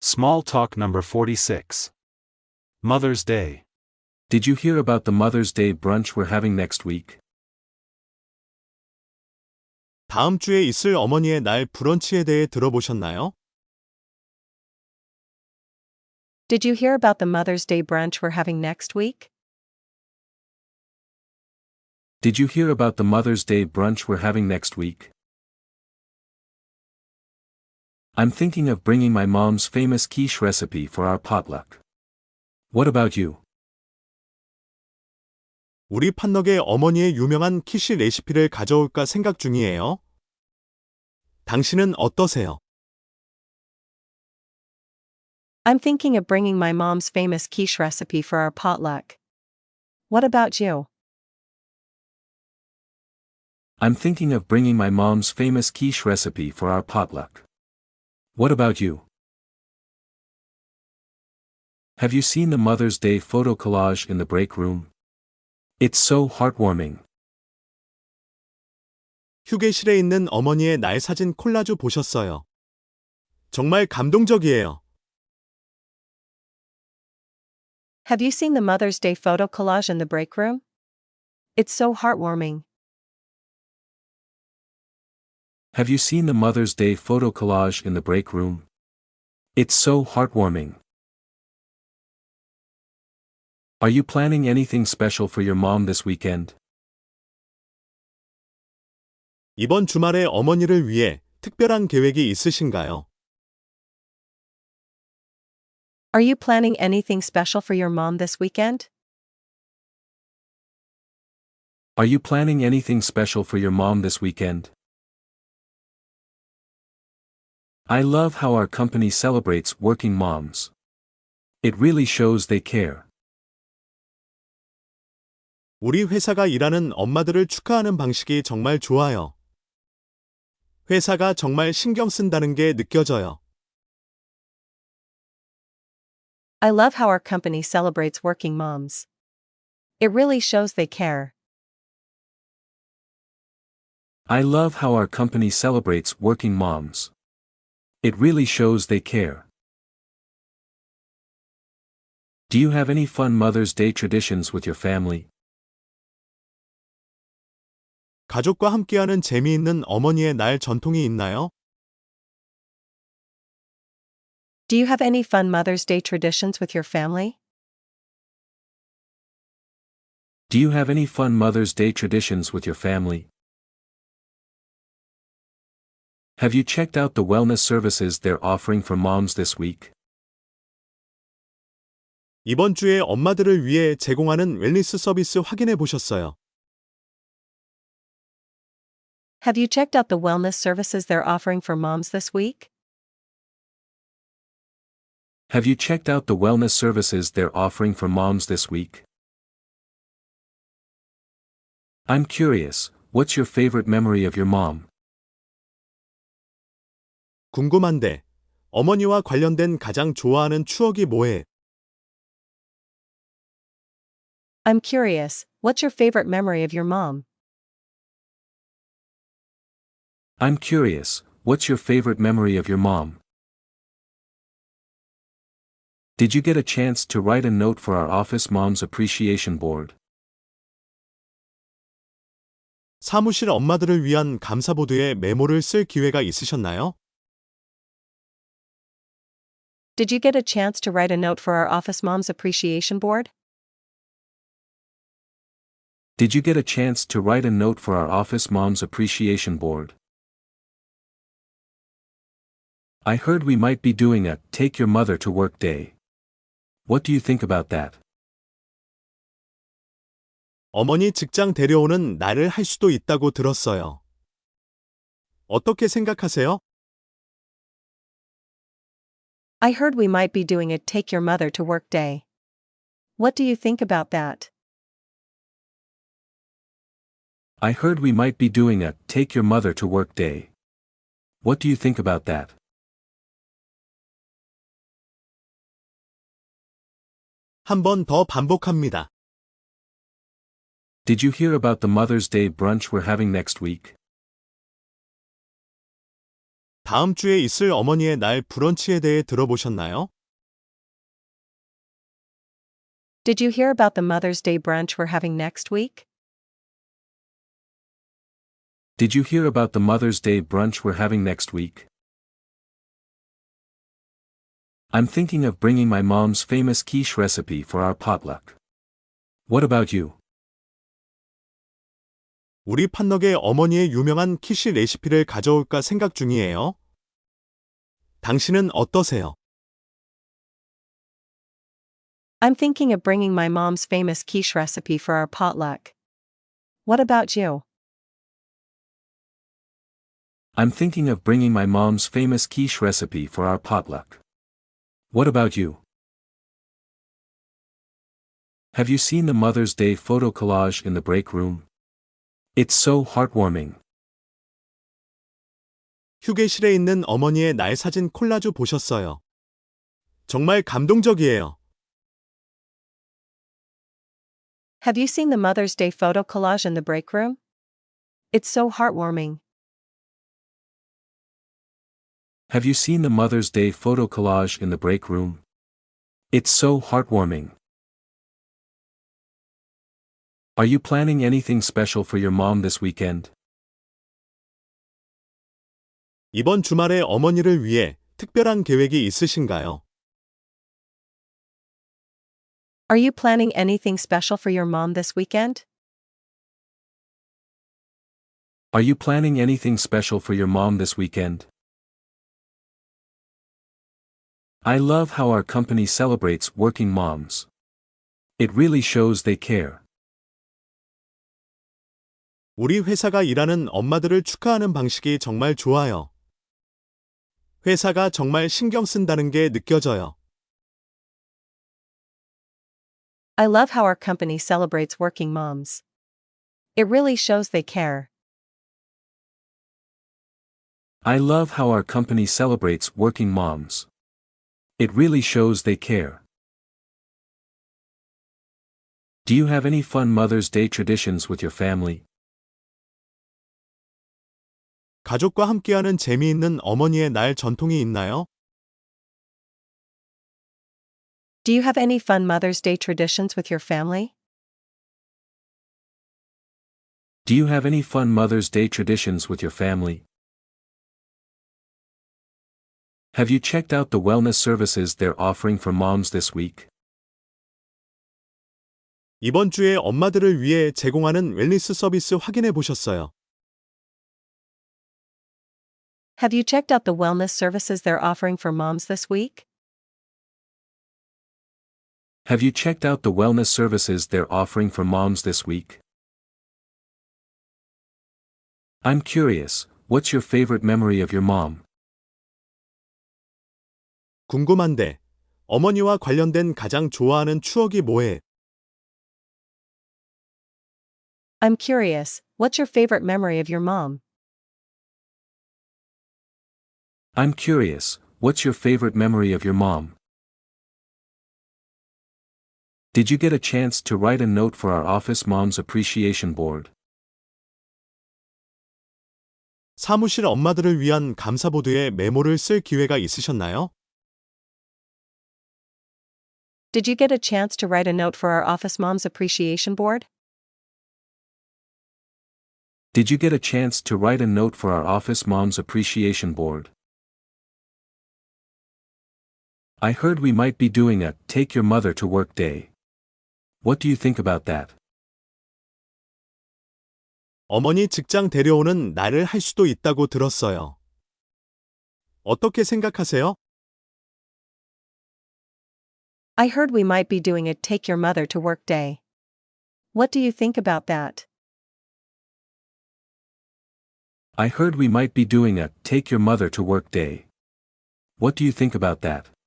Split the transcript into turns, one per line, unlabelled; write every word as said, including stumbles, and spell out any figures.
Small talk number forty-six. Mother's Day.
Did you hear about the Mother's Day brunch we're having next week?
다음 주에 있을 어머니의 날 브런치에 대해 들어보셨나요?
Did you hear about the Mother's Day brunch we're having next week?
Did you hear about the Mother's Day brunch we're having next week? I'm thinking of bringing my mom's famous quiche recipe for our potluck. What about you?
우리 팥너게 어머니의 유명한 키시 레시피를 가져올까 생각 중이에요. 당신은 어떠세요?
I'm thinking of bringing my mom's famous quiche recipe for our potluck. What about you?
I'm thinking of bringing my mom's famous quiche recipe for our potluck. What about you? Have you seen the Mother's Day photo collage in the break room? It's so heartwarming.
휴게실에 있는 어머니의 날 사진 콜라주 보셨어요. 정말 감동적이에요.
Have you seen the Mother's Day photo collage in the break room? It's so heartwarming.
Have you seen the Mother's Day photo collage in the break room? It's so heartwarming. Are you planning anything special for your mom this weekend?
이번 주말에 어머니를 위해 특별한 계획이 있으신가요?
Are you planning anything special for your mom this weekend?
Are you planning anything special for your mom this weekend? I love how our company celebrates working moms. It really shows they care.
우리 회사가 일하는 엄마들을 축하하는 방식이 정말 좋아요. 회사가 정말 신경 쓴다는 게 느껴져요.
I love how our company celebrates working moms. It really shows they care.
I love how our company celebrates working moms. It really shows they care. Do you have any fun Mother's Day traditions with your family?
가족과 함께하는 재미있는 어머니의 날 전통이 있나요?
Do you have any fun Mother's Day traditions with your family?
Do you have any fun Mother's Day traditions with your family? Have you checked out the wellness services they're offering for moms this week?
이번 주에 엄마들을 위해 제공하는 웰니스 서비스 확인해 보셨어요.
Have you checked out the wellness services they're offering for moms this week?
Have you checked out the wellness services they're offering for moms this week? I'm curious, what's your favorite memory of your mom?
궁금한데, 어머니와 관련된 가장 좋아하는 추억이 뭐해?
I'm curious, what's your favorite memory of your mom?
I'm curious, what's your favorite memory of your mom? Did you get a chance to write a note for our office mom's appreciation board?
사무실 엄마들을 위한 감사보드에 메모를 쓸 기회가 있으셨나요?
Did you get a chance to write a note for our office mom's appreciation board?
Did you get a chance to write a note for our office mom's appreciation board? I heard we might be doing a Take Your Mother to Work Day. What do you think about that?
어머니 직장 데려오는 날을 할 수도 있다고 들었어요. 어떻게 생각하세요?
I heard we might be doing a Take Your Mother to Work Day. What do you think about that?
I heard we might be doing a Take Your Mother to Work Day. What do you think about that?
한 번 더 반복합니다.
Did you hear about the Mother's Day brunch we're having next week?
다음 주에 있을 어머니의 날 브런치에 대해 들어보셨나요?
Did you hear about the Mother's Day brunch we're having next week?
Did you hear about the Mother's Day brunch we're having next week? I'm thinking of bringing my mom's famous quiche recipe for our potluck. What about you?
우리 팥너게 어머니의 유명한 키시 레시피를 가져올까 생각 중이에요. 당신은 어떠세요?
I'm thinking of bringing my mom's famous quiche recipe for our potluck. What about you?
I'm thinking of bringing my mom's famous quiche recipe for our potluck. What about you? Have you seen the Mother's Day photo collage in the break room? It's so heartwarming.
휴게실에 있는 어머니의 날 사진 콜라주 보셨어요. 정말 감동적이에요.
Have you seen the Mother's Day photo collage in the break room? It's so heartwarming.
Have you seen the Mother's Day photo collage in the break room? It's so heartwarming. Are you planning anything special for your mom this weekend?
이번 주말에 어머니를 위해 특별한 계획이 있으신가요?
Are you planning anything special for your mom this weekend?
Are you planning anything special for your mom this weekend? I love how our company celebrates working moms. It really shows they care.
우리 회사가 일하는 엄마들을 축하하는 방식이 정말 좋아요. 회사가 정말 신경 쓴다는 게 느껴져요.
I love how our company celebrates working moms. It really shows they care.
I love how our company celebrates working moms. It really shows they care. Do you have any fun Mother's Day traditions with your family?
가족과 함께하는 재미있는 어머니의 날 전통이 있나요?
Do you have any fun Mother's Day traditions with your family?
Do you have any fun Mother's Day traditions with your family? Have you checked out the wellness services they're offering for moms this week?
이번 주에 엄마들을 위해 제공하는 웰니스 서비스 확인해 보셨어요.
Have you checked out the wellness services they're offering for moms this week?
Have you checked out the wellness services they're offering for moms this week? I'm curious, what's your favorite memory of your mom?
궁금한데, 어머니와 관련된 가장 좋아하는 추억이 뭐해?
I'm curious, what's your favorite memory of your mom?
I'm curious, what's your favorite memory of your mom? Did you get a chance to write a note for our office mom's appreciation board?
사무실 엄마들을 위한 감사보드에 메모를 쓸 기회가 있으셨나요?
Did you get a chance to write a note for our office mom's appreciation board?
Did you get a chance to write a note for our office mom's appreciation board? I heard we might be doing a Take Your Mother to Work Day. What do you think about that?
어머니 직장 데려오는 날을 할 수도 있다고 들었어요. 어떻게 생각하세요?
I heard we might be doing a Take Your Mother to Work Day. What do you think about that?
I heard we might be doing a Take Your Mother to Work Day. What do you think about that?